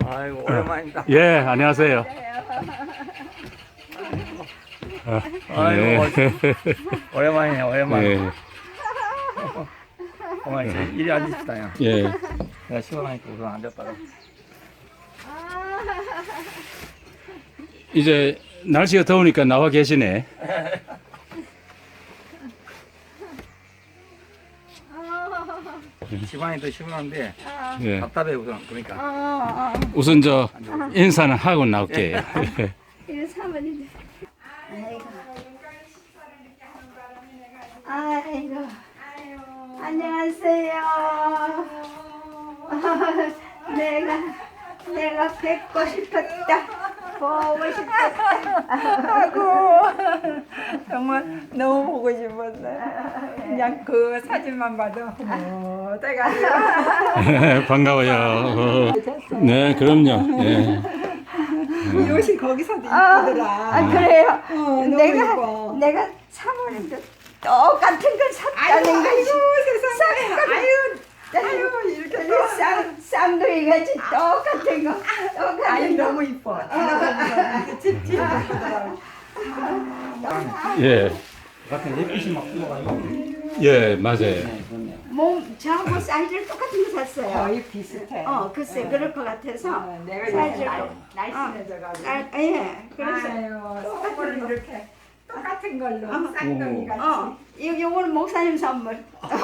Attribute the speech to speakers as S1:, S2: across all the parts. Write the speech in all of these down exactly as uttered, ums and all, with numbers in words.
S1: 아이고 오랜만입니다.
S2: 예, 안녕하세요. 아,
S1: 아이고
S2: 네.
S1: 오랜만이네 오랜만.
S2: 예,
S1: 어머니 이리 앉읍시다 야.
S2: 예.
S1: 내가 시원하니까 우선 앉아봐라.
S2: 이제 날씨가 더우니까 나와 계시네.
S1: 집안이 더 시원한데
S2: 예.
S1: 답답해 우선 그러니까.
S2: 우선 저 인사는 하고 나올게요.
S3: 이거 사모님. 아이고. 아이고. 안녕하세요. 내가 내가 뵙고 싶었다. 보고 싶었다.
S4: 아이고 정말 너무 보고 싶었어요. 그냥 그 사진만 봐도 어머 때가
S2: 반가워요. 네, 그럼요. 예.
S4: 이 옷이 거기서도
S3: 아,
S4: 이쁘더라.
S3: 아 그래요.
S4: 어, 너무
S3: 내가
S4: 이뻐.
S3: 내가 사모님도 똑같은 걸 샀다는
S4: 아이고
S3: 거지.
S4: 세상에 아유 아유 이렇게 또
S3: 쌍 쌍둥이 같이 똑같은 거. 똑같은
S4: 아유
S3: 거.
S4: 너무 이뻐. 이렇게 찝찝 이쁘더라.
S2: 예,
S1: 같은 햇빛이 막 들어가지고.
S2: 예, 맞아요.
S3: 몸 저하고 사이즈를 똑같은 거 샀어요.
S4: 거의 비슷해.
S3: 어 글쎄 그럴 것 같아서.
S4: 어, 내가
S3: 사이즈를
S4: 이제 날-
S3: 똑-
S4: 날씬해져가지고.
S3: 아, 예. 그래서
S4: 아유
S3: 똑같은
S4: 선물을
S3: 거.
S4: 이렇게 똑같은 걸로
S3: 어.
S4: 쌍둥이 같이.
S3: 어, 요, 요거는 목사님 선물.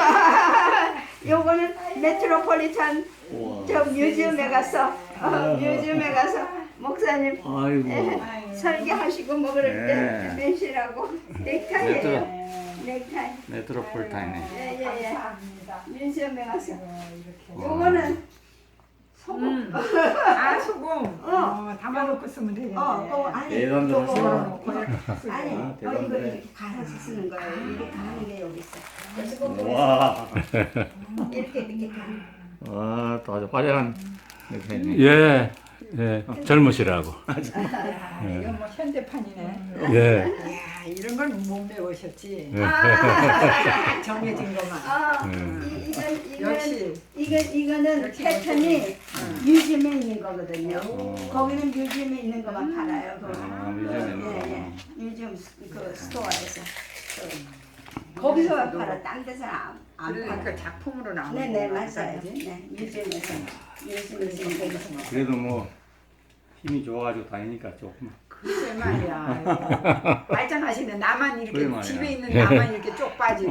S3: 요거는 메트로폴리탄 저 뮤지엄에 가서, 어, 뮤지엄에 가서 목사님
S1: 아이고.
S3: 에, 설교하시고 뭐 그럴 때
S1: 네.
S3: 맨시라고 넥타이예요.
S1: 메트로
S3: 넥타이.
S1: 메트로폴타인에.
S3: 예, 예, 예.
S4: 감사합니다.
S3: 뮤지엄에 가서.
S4: 이렇게.
S3: 요거는 소금.
S4: 음. 아 소금.
S3: 어.
S4: 어, 담아놓고 쓰면 되겠네.
S3: 어, 또 아니,
S1: 대단들
S3: 요거.
S1: 하시네.
S3: 아니,
S1: 아,
S3: 어, 이거
S1: 대단하네.
S3: 이렇게 갈아서 쓰는 거예요. 이렇게 가는 게 여기 있어. 그래서 꼭
S1: 와.
S3: 이렇게 이렇게 가.
S1: 와, 또 아주 화려한 넥타이네.
S2: 예, 예. 젊으시라고.
S4: 이건 뭐 현대판이네.
S2: 예.
S4: 야 이런 걸 못 배우셨지.
S2: 예.
S4: 정해진 것만.
S3: 아,
S2: 음.
S3: 이, 이건 이건
S4: 역시.
S3: 이건 이거는
S4: 역시
S3: 패턴이 뮤지엄에 있는 거거든요.
S1: 어.
S3: 거기는 뮤지엄에 있는 것만 팔아요. 거기.
S1: 아, 뮤지엄에
S3: 예, 예.
S1: 있는
S3: 뮤지엄 스- 그 스토어에서. 그, 거기서만 팔아. 딴 데서는 안, 안
S4: 그러니까
S3: 팔아.
S4: 작품으로 나오는
S3: 네네
S4: 거
S3: 맞아요.
S4: 같아야지.
S3: 네 뮤지엄에서 뮤지엄에서 거기서.
S1: 그래도 뭐 힘이 좋아가지고 다니니까 조금.
S4: 글쎄 말이야. 아이고. 말짱하시네. 나만 이렇게
S1: 그래 말이야.
S4: 집에 있는 나만 이렇게 쪽 빠지고.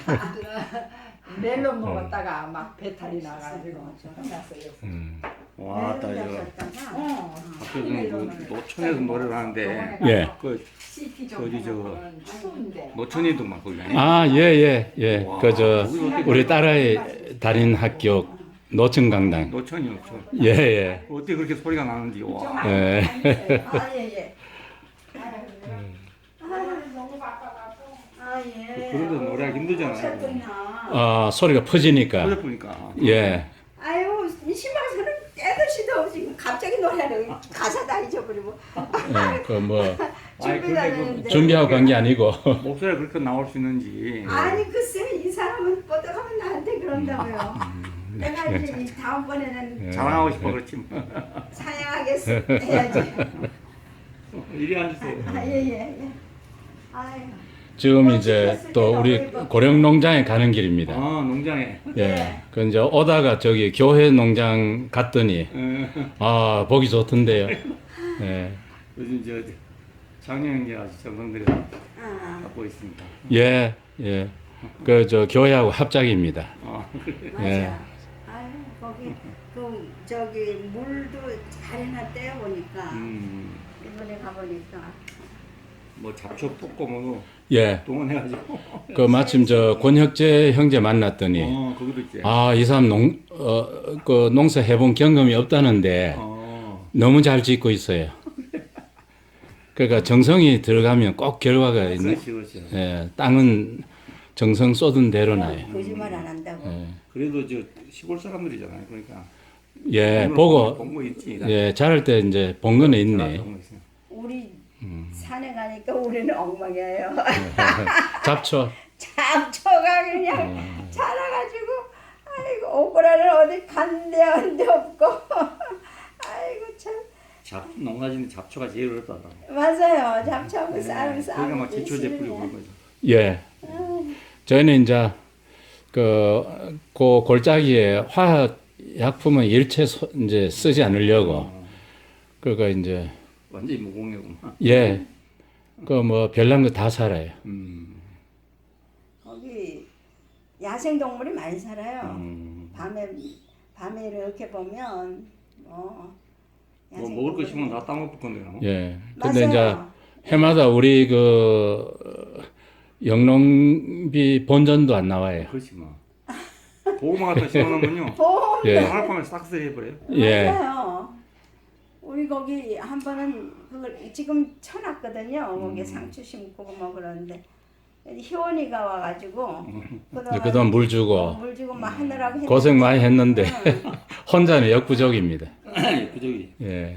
S4: 멜론 먹었다가 막 배탈이 나가지고 혼났어요.
S2: 음.
S1: 와, 딱 저.
S4: 어.
S1: 학교는 그 노천에서 노래를 하는데
S2: 예.
S1: 그
S4: 씨티
S1: 거기 저-
S4: 정도는 추운데.
S1: 노천이도 막 거기 다니.
S2: 아, 예, 예, 예.
S1: 와.
S2: 그 저 우리 딸아이 다닌 학교 노천강당.
S1: 노천이 노천.
S2: 예, 예.
S1: 어떻게 그렇게 소리가 나는지 와.
S2: 예.
S3: 아 예예. 아 예.
S1: 그런데 노래하기 힘들잖아요.
S3: 하셨구나.
S2: 아, 소리가 퍼지니까.
S1: 그래 보니까.
S2: 예.
S3: 아유 이 신방에서는 때도 시도 지금 갑자기 노래를 가사 다 잊어버리고
S2: 예. 그 뭐
S1: 아이,
S3: 준비가
S1: 근데 그
S3: 되는데.
S2: 준비하고 간 게 아니고.
S1: 목소리가 그렇게 나올 수 있는지.
S3: 아니 글쎄 이 사람은 뻗어가면 나한테 그런다고요.
S2: 음.
S3: 내가 이제 이 다음번에는
S2: 예.
S1: 자랑하고 싶어 그렇지 뭐.
S3: 사양하겠어 해야지.
S1: 이리 앉으세요.
S3: 아예예 예. 아유.
S2: 지금 이제 또 우리 고령 농장에 가는 길입니다.
S1: 아, 농장에.
S2: 예. 그 이제 오다가 저기 교회 농장 갔더니 아, 보기 좋던데요. 예.
S1: 요즘 저 작년에 아주 정성들이
S3: 아
S1: 갖고 있습니다.
S2: 예. 예. 그 저 교회하고 합작입니다.
S1: 아,
S3: 맞아.
S2: 예.
S3: 아유 거기 그 저기 물도 잘 해놨대요 보니까
S1: 음,
S3: 이번에 가보니까.
S1: 뭐 잡초 뽑고 뭐
S2: 예.
S1: 동원해가지고.
S2: 그 마침 저 권혁재 형제 만났더니
S1: 어, 거기도 있지.
S2: 아, 이 사람 농, 어, 그 농사 해본 경험이 없다는데
S1: 어,
S2: 너무 잘 짓고 있어요. 그러니까 정성이 들어가면 꼭 결과가 있는,
S1: 그렇지, 그렇지.
S2: 예, 땅은 정성 쏟은 대로 나요.
S3: 거짓말 안 한다고.
S2: 예,
S1: 그래도 저 시골 사람들이잖아요. 그러니까.
S2: 예, 보고,
S1: 본거 있지.
S2: 예, 자랄 때 이제 본 거는 있네.
S1: 본거 있어요.
S3: 우리
S2: 음.
S3: 산에 가니까 우리는 엉망이에요.
S2: 잡초.
S3: 잡초가 그냥 자라가지고 아이고 오그라는 어디 간데 한데 없고 아이고
S1: 잡 농사짓는 잡초가 제일 어렵다더라고.
S3: 맞아요. 잡초하고 싸움 싸움.
S1: 그러니까 막 제초제 뿌리고 그런 거죠.
S2: 예. 저희는 이제 그, 그 골짜기에 화학 약품은 일체 소, 이제 쓰지 않으려고. 그러니까 이제
S1: 완전히 무공해구만.
S2: 예. 그 뭐 별난 거 다 살아요.
S1: 음.
S3: 거기 야생 동물이 많이 살아요.
S1: 음.
S3: 밤에 밤에 이렇게 보면 뭐
S1: 뭐
S3: 야생
S1: 먹을 거
S3: 동물이
S1: 심으면 다 따먹을 건데 나.
S2: 예. 근데
S3: 맞아요.
S2: 이제 해마다 우리 그 영농비 본전도 안 나와요.
S1: 그렇지 뭐. 고구마 같은 거 심어놓으면요.
S3: 보험
S2: 예.
S1: 하룻밤에 싹쓸이 해버려요.
S2: 예.
S3: 맞아요. 우리 거기 한 번은 그걸 지금 쳐놨거든요. 거기
S1: 음.
S3: 상추 심고 뭐 그러는데 희원이가 와가지고
S2: 이제 그동안 물 주고
S3: 물 주고 막 하느라고 했는데
S2: 고생 많이 했는데
S3: 응.
S2: 혼자는 역부족입니다.
S1: 그저기
S2: 예.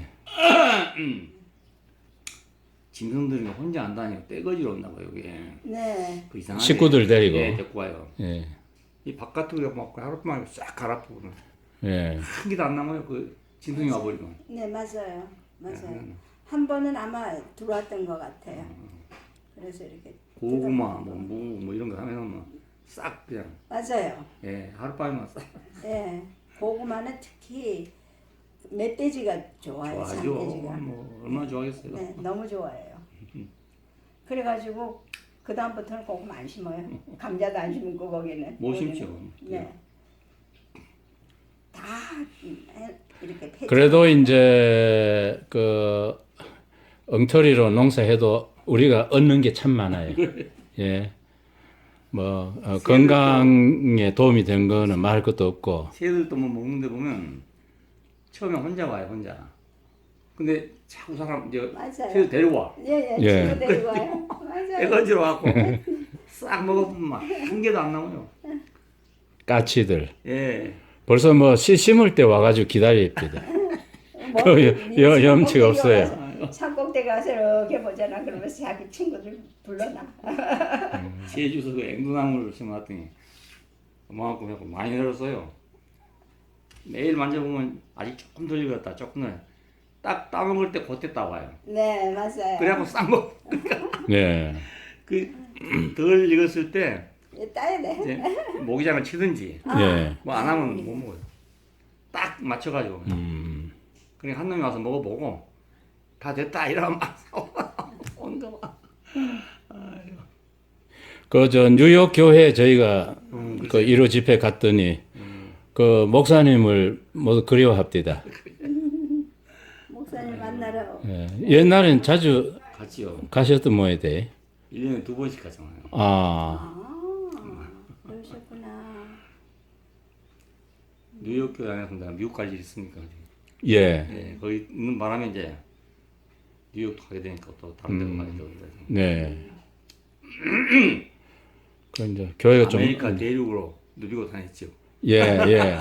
S1: 짐승들이 혼자 안 다니고 떼거지로 온나 봐요 여기.
S3: 네.
S1: 그 이상하게.
S2: 식구들 데리고.
S1: 예, 데리고 와요.
S2: 예.
S1: 이 바깥으로 막 하룻밤에 싹 갈아엎고
S2: 예.
S1: 한 개도 안 남아요. 그 짐승이 와버리면.
S3: 네 맞아요. 맞아요.
S1: 네.
S3: 한 번은 아마 들어왔던 것 같아요. 그래서 이렇게
S1: 고구마, 뭐, 무, 뭐 이런 거 하면은 싹 그냥
S3: 맞아요.
S1: 예 하룻밤에만 싹
S3: 예. 고구마는 특히 멧돼지가 좋아요.
S1: 좋아하죠.
S3: 산돼지가.
S1: 뭐 얼마나 좋아하겠어요.
S3: 네, 너무 좋아해요. 그래가지고 그 다음부터는 고구마 안 심어요. 감자도 안 심고 거기는.
S1: 못
S3: 거기는.
S1: 심죠.
S3: 네. 다 이렇게 폐.
S2: 그래도 이제 그 엉터리로 농사해도 우리가 얻는 게 참 많아요. 예. 뭐 어, 건강에 도움이 된 거는 말할 것도 없고.
S1: 새들도 뭐 먹는데 보면 처음에 혼자 와요 혼자. 근데 자꾸 사람 이제
S3: 맞아요.
S1: 새들 데려와.
S3: 예예.
S2: 예.
S3: 친구 데리고 와요. 맞아요.
S1: 애거지로 와갖고 싹 먹어보면 막 한 개도 안 남아요.
S2: 까치들.
S1: 예.
S2: 벌써 뭐 씨 심을 때 와가지고 기다립니다.
S3: 뭐,
S2: 그 여- 여- 염치가
S3: 산꼭대기
S2: 없어요.
S3: 와서, 산꼭대기 가서 이렇게 보잖아. 그러면서 자기 친구들 불러놔.
S1: 제주서 그 앵두나무를 심어놨더니 그만큼 해갖고 많이 늘었어요. 매일 만져보면 아직 조금 덜 익었다 조금 덜. 딱 따먹을 때 그때 따와요.
S3: 네 맞아요.
S1: 그래갖고 싹 먹.
S2: 네.
S1: 그덜 익었을 때
S3: 예, 따야 돼.
S1: 이제 모기장을 치든지
S2: 예.
S1: 뭐 안 하면 못 먹어요. 딱 맞춰가지고.
S2: 음.
S1: 그러니까 한 놈이 와서 먹어보고 다 됐다 이러면 막 온다 막.
S2: 그 저 뉴욕 교회 저희가
S1: 음,
S2: 그 일 호 집회 갔더니 그 목사님을 모두 그리워합니다.
S3: 목사님 만나러.
S2: 예. 옛날엔 자주
S1: 같이요.
S2: 가셨던 모양이대.
S1: 일 년에 두 번씩 가잖아요.
S2: 아.
S3: 아 그러셨구나.
S1: 뉴욕 교회 안에서 내가 미국 갈 일이 있으니까.
S2: 예.
S1: 예, 거기 있는 바람에 이제 뉴욕도 가게 되니까 또 다른 데도
S2: 음.
S1: 가게 되고 그래서.
S2: 네. 그 이제 교회가 좀
S1: 아메리카 대륙으로 누비고 다녔죠.
S2: 예, 예.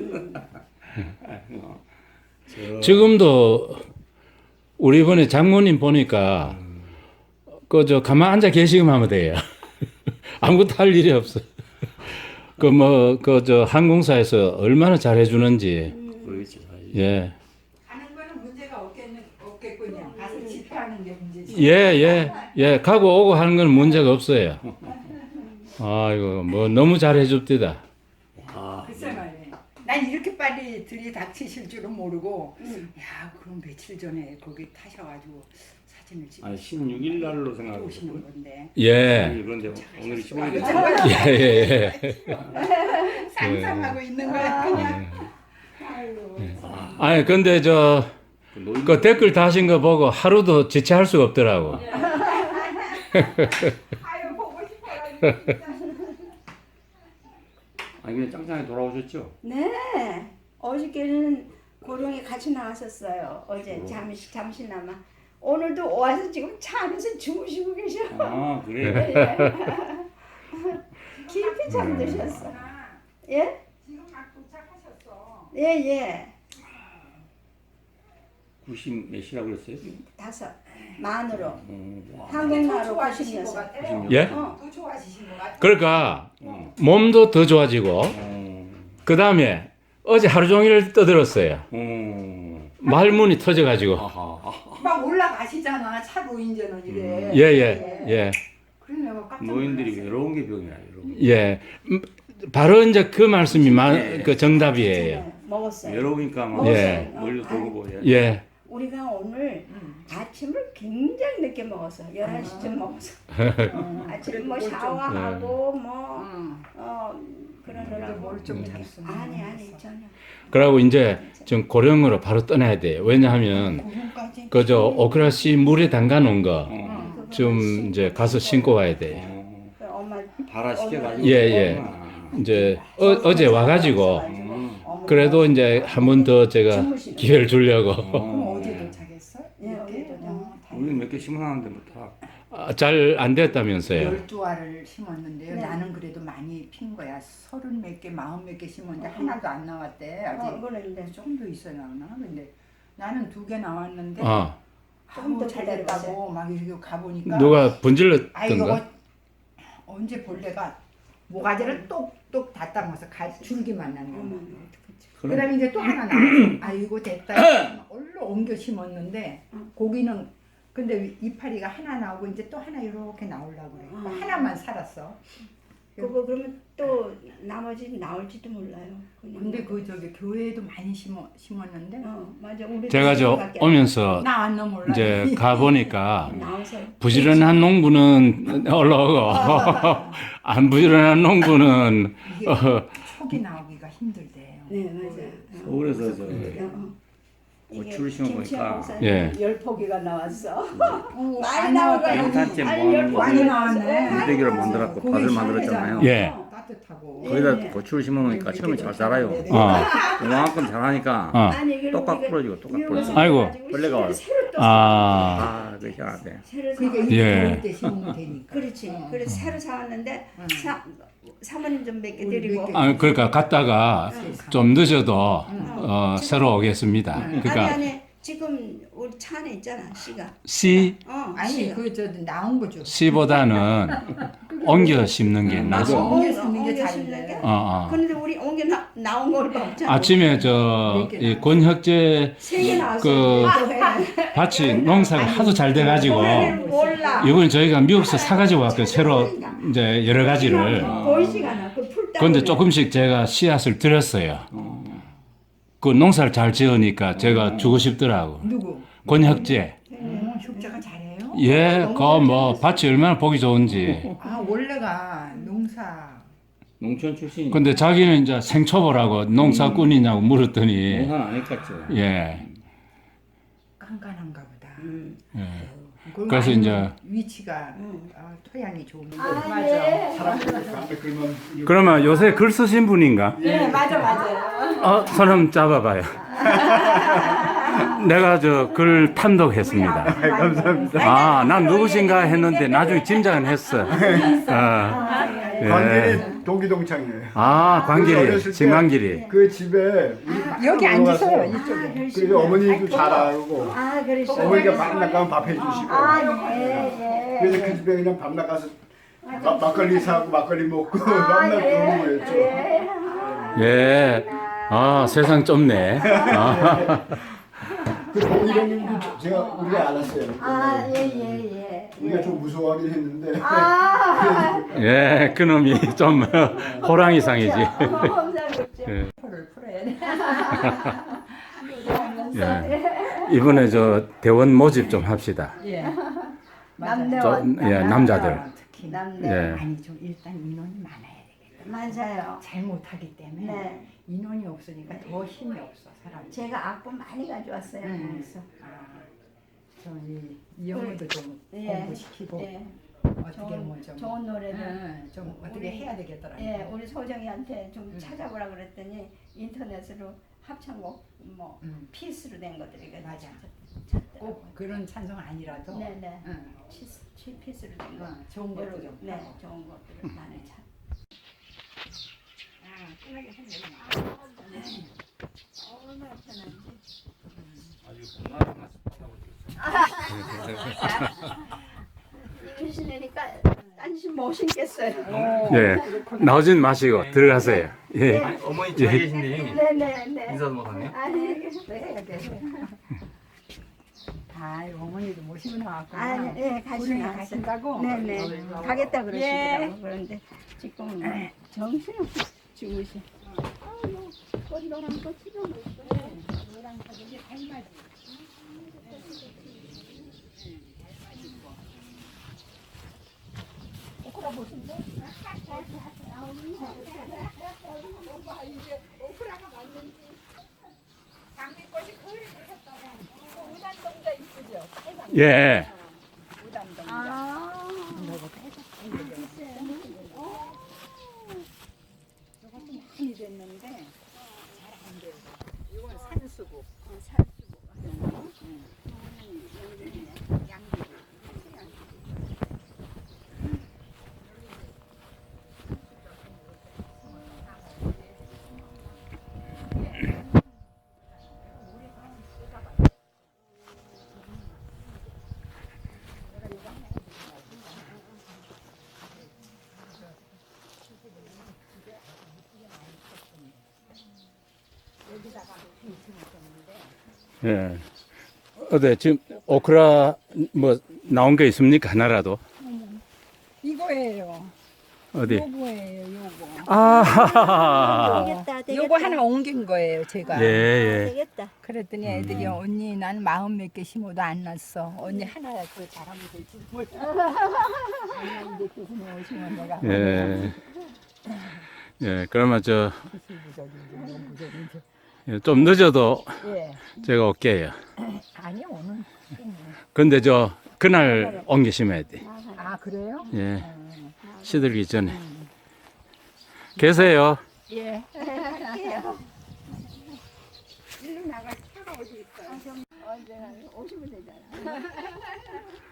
S1: 어, 저,
S2: 지금도 우리 이번에 장모님 보니까 그 저 가만 앉아 계시기만 하면 돼요. 아무것도 할 일이 없어. 그 뭐 그 저 항공사에서 얼마나 잘해 주는지.
S1: 그러겠죠. 사실.
S2: 예.
S4: 하는 거는 문제가 없겠는 없겠군요. 가서 집회하는 게 문제지.
S2: 예, 예. 예, 가고 오고 하는 건 문제가 없어요. 아이고, 뭐 너무 잘해 줍디다.
S1: 아,
S4: 글쎄 말이에요. 난 이렇게 빨리 들이닥치실 줄은 모르고 야 그럼 며칠 전에 거기 타셔가지고 사진을 찍어
S1: 아니 십육 일 날로 생각하고
S4: 오시는
S1: 있었고요.
S4: 건데
S2: 예.
S1: 그런데 오늘이 십오 일이
S2: 예, 예, 예.
S4: 상상하고 있는 거야 그냥.
S2: 아니, 근데 저, 그 댓글 다신 거 보고 하루도 지체할 수가 없더라고.
S4: 아유 보고 싶어가지고.
S1: 아니 그냥 짱짱하게 돌아오셨죠?
S3: 네. 어저께는 고령이 같이 나왔었어요. 어제
S1: 어.
S3: 잠시 잠시나마. 오늘도 와서 지금 차 안에서 주무시고 계셔.
S1: 아 그래?
S3: 예. 깊이 잠드셨어. 예?
S4: 지금 막 도착하셨어.
S3: 예, 예.
S1: 구십 몇이라고 그랬어요?
S3: 다섯. 만으로.
S1: 어, 와.
S3: 한국말로
S4: 좋아지신 것
S3: 구십여섯.
S4: 같아요.
S2: 예?
S3: 어.
S4: 더 좋아지신 것 같아요.
S2: 그러니까
S1: 어.
S2: 몸도 더 좋아지고,
S1: 어.
S2: 그 다음에 어제 하루 종일 떠들었어요.
S1: 어.
S2: 말문이 터져가지고.
S1: 아하.
S4: 막 올라가시잖아 차로 이제는 이래.
S2: 예예 예.
S4: 그래 내가 깜짝
S1: 노인들이
S4: 놀랐어요.
S1: 외로운 게 병이야. 외로운.
S2: 예. 음, 바로 이제 그 말씀이 마, 그 정답이에요.
S3: 네, 먹었어요.
S1: 외로우니까 막
S2: 예.
S1: 멀리 돌고 예.
S2: 예.
S3: 우리가 오늘
S4: 응.
S3: 아침을 굉장히 늦게 먹었어. 열한 시쯤 먹었어.
S4: 응.
S3: 아침 뭐
S4: 그래도 뭘 좀-
S3: 샤워하고 뭐
S4: 응.
S3: 어,
S4: 그래도
S3: 그러느라고.
S4: 뭘좀 잤으면.
S3: 아니 아니 전혀.
S2: 그러고 이제 좀 고령으로 바로 떠나야 돼요. 왜냐하면
S4: 고흥까지.
S2: 그저 오크라시 물에 담가 놓은 거 좀
S3: 그거
S2: 이제 가서 신고 와야 돼요.
S1: 어,
S3: 그 엄마
S1: 발화 시켜가지고.
S2: 예, 예. 이제 어, 어제 와가지고
S3: 어머니가
S2: 그래도 이제 한 번 더 제가
S3: 주무시는
S2: 기회를 주려고
S4: 그럼
S1: 어.
S4: 어제 도착했어?
S3: 예, 어제 도착.
S4: 어,
S1: 우리는 몇 개 심어놨는데 뭐 다.
S2: 잘 안 됐다면서요.
S4: 열두 알을 심었는데요.
S3: 네.
S4: 나는 그래도 많이 핀 거야. 서른 몇 개, 마흔 몇 개 심었는데 하나도 안 나왔대. 아직
S3: 어, 그런데
S4: 조금 더 있어야 나오나? 근데 나는 두 개 나왔는데
S2: 어.
S3: 조금 더
S4: 아우, 잘
S3: 기다려보세요.
S4: 됐다고 막 이렇게 가보니까
S2: 누가
S4: 아 이거
S2: 분질렀던가?
S4: 언제 벌레가 모가지를 똑똑 다 따먹어서 가, 줄기만 난 거만.
S3: 음.
S4: 그 다음에 이제 또 하나 나왔어. 아이고 됐다. 얼른 옮겨 심었는데 고기는 근데 이파리가 하나 나오고 이제 또 하나 이렇게 나오려고 그래.
S3: 음.
S4: 하나만 살았어.
S3: 그거 그러면 또 나머지 나올지도 몰라요. 그냥.
S4: 근데 그 저기 교회에도 많이 심어 심었는데
S3: 어 맞아 우리
S2: 제가 저 오면서
S4: 나왔나 몰라.
S2: 이제 가 보니까
S3: 나오세요.
S2: 부지런한 농부는 올라오고 안 부지런한 농부는
S4: 이게
S2: 어,
S4: 촉이 나오기가 힘들대요.
S3: 네 맞아요.
S1: 서울에서 저
S3: 어. 이게
S1: 고추를 심어보니까
S3: 김치하고 쌀
S2: 예.
S3: 열 포기가 나왔어.
S4: 어,
S3: 많이
S4: 안
S3: 나와가지고
S4: 나왔다.
S1: 양탄재
S3: 아니,
S1: 뭐
S3: 열
S1: 하는 거
S3: 포기
S4: 많이 나왔네.
S1: 물대기를 만들었고
S4: 고기
S1: 밭을
S4: 시원하잖아.
S1: 만들었잖아요.
S2: 예.
S4: 따뜻하고.
S1: 거기다
S3: 예.
S1: 고추를 심어놓으니까 처음에 잘 자라요.
S2: 어,
S1: 그만큼 자라니까
S2: 어.
S3: 아니 이걸
S1: 똑같
S3: 우리가
S1: 부러지고 똑같
S3: 이거
S1: 부러지고.
S2: 아이고.
S1: 벌레가 와요.
S3: 새로 또
S2: 아,
S1: 아, 그 희한하대.
S3: 새로
S4: 그러니까
S3: 사.
S4: 이
S2: 예.
S4: 더울 때 심으면 되니까.
S3: 그렇지.
S4: 어.
S3: 그래서 새로 사왔는데
S4: 응.
S3: 사, 사모님 좀 몇 개
S4: 우리
S3: 드리고.
S4: 몇 개.
S2: 아, 그러니까 갔다가 좀 늦어도 어, 새로 오겠습니다.
S3: 아니
S2: 그러니까
S3: 아니 지금 우리 차 안에 있잖아 씨가.
S2: 씨
S3: 어
S4: 아니
S3: 씨가.
S4: 그 저 나온 거죠.
S2: 씨보다는 옮겨 심는 게
S3: 아,
S2: 나죠.
S3: 어,
S4: 옮겨 심는 게
S3: 옮겨
S4: 잘
S3: 심는
S4: 돼.
S3: 게?
S2: 어, 어.
S3: 그런데 우리 옮겨 나, 나온 걸 없잖아.
S2: 아침에 저 이 권혁재
S3: 세개 나왔어.
S2: 그 밭이 농사가 하도 잘 돼가지고
S3: 몰라.
S2: 이번 저희가 미국에서 사가지고 왔거든요. 새로 이제 여러 가지를.
S3: 보이지가 않아. 그풀 따.
S2: 그런데 조금씩 제가 씨앗을 드렸어요. 그 농사를 잘 지으니까 제가 주고 싶더라고.
S4: 누구?
S2: 권혁재.
S4: 어, 흉자가 잘해요.
S2: 예, 그 뭐 밭이 얼마나 보기 좋은지.
S4: 아 원래가 농사.
S1: 농촌 출신이.
S2: 근데 자기는 이제 생초보라고 농사꾼이냐고 물었더니
S1: 농사는 안 했겠죠.
S2: 예.
S4: 깐깐한가 보다.
S3: 음.
S2: 예.
S4: 그리고
S2: 그래서
S4: 아니면
S2: 이제
S4: 위치가 어, 토양이 좋은 거.
S3: 아, 네.
S2: 그러면 요새 글 쓰신 분인가?
S3: 네 맞아 맞아요.
S2: 어, 손 한번 잡아봐요. 내가 저 글 탐독했습니다.
S3: 감사합니다.
S2: 아, 난 누구신가 했는데 나중에 짐작은 했어. 어, 예.
S5: 관계리 동기동창이에요.
S2: 아,
S5: 어렸을
S2: 광길이,
S5: 때
S2: 진광길이.
S5: 그 집에 우리
S4: 여기
S5: 들어가서
S4: 앉으세요 이쪽에.
S5: 그래서 어머니도 잘 알고
S3: 아 그러시죠.
S5: 어머니가 밤 나가면 밥 해주시고
S3: 아네
S5: 그래서 그 집에 그냥 밤 나가서 마- 막걸리 사고 막걸리 먹고 맨날 그러는 거였죠.
S2: 예. 아, 세상 좁네. 아,
S5: 그리고 이런님도 제가 우리가 알았어요.
S3: 아예예예.
S5: 우리가 좀 무서워하긴 했는데
S3: 아.
S2: 예, 그놈이 좀 호랑이상이지.
S3: 감사합니다.
S2: 예.
S4: 표를 풀어야 돼.
S2: 예. 이번에 저 대원 모집 좀 합시다.
S4: 예.
S3: 남대원.
S2: 저, 예, 남자들.
S4: 아, 특히.
S3: 남대.
S2: 예.
S4: 아니 좀 일단 인원이 많아야 되겠다.
S3: 맞아요.
S4: 잘 못하기 때문에
S3: 네.
S4: 인원이 없으니까 더 힘이 없어 사람이.
S3: 제가 악보 많이 가져왔어요.
S4: 음.
S3: 그래서
S4: 아, 저이 이 영어도 좀
S3: 예.
S4: 공부시키고
S3: 예.
S4: 어떻게
S3: 좋은,
S4: 뭐좀
S3: 좋은 노래들.
S4: 음, 좀 어떻게
S3: 우리-
S4: 해야 되겠더라고요.
S3: 예, 우리 소정이한테 좀
S4: 음.
S3: 찾아보라 그랬더니 인터넷으로 합창곡 뭐
S4: 음.
S3: 피스로 된 것들이
S4: 맞아.
S3: 찾더라고요.
S4: 꼭 그런 찬송 아니라도
S3: 네네.
S4: 응.
S3: 피스, 피- 피스로 된 거.
S4: 어, 좋은 것도 좀
S3: 네,
S4: 하고.
S3: 좋은 것들을 많이 찾.
S4: 아, 편하게 생겼네.
S3: 얼마나 편한지. 이거 신으니까 딴짓 못 신겠어요.
S2: 예. 나오진 마시고 들어가세요. 예.
S1: 아니, 어머니 잘 계신데 형님.
S3: 네네네.
S1: 인사도 못하네요.
S3: 아니,
S4: 네, 네. 아, 어머니도 모시고 나왔구나.
S3: 아니, 예, 가시
S4: 우리
S3: 나왔어요.
S4: 가신다고?
S3: 네네. 가겠다 그러시더라고.
S4: 예.
S3: 그런데 지금 정신없이 죽으시. 아유, 꽃노랑 꽃 피우고 있어.
S4: 너랑 가족이 닮아지.
S2: 예.
S3: 아,
S4: 많이 됐는데 잘안 돼요. 이건 산수국.
S2: 예. 어때 지금 오크라 뭐 나온 게 있습니까 하나라도?
S4: 이거예요.
S2: 어디?
S4: 요거예요, 요거.
S2: 아.
S3: 되겠다, 되겠다.
S4: 요거 하나 옮긴 거예요, 제가.
S2: 예, 예.
S3: 되겠다.
S4: 그랬더니 애들이 언니 난 마음 몇 개 심어도 안 났어. 언니 하나 그 잘하면 될지 몰라. 아니 이제 교수님 오시면 내가
S2: 예. 예. 그러면 저
S4: 부수부적인지 뭐 부적인지.
S2: 예, 좀 늦어도
S4: 예.
S2: 제가 올게요.
S4: 아니요 오늘.
S2: 근데 저 그날 옮겨 심어야 돼.
S4: 아 그래요?
S2: 예. 시들기 전에. 계세요.
S4: 예.
S3: 일로 나가 차가 어디 있어요? 언제나 오시면 되잖아.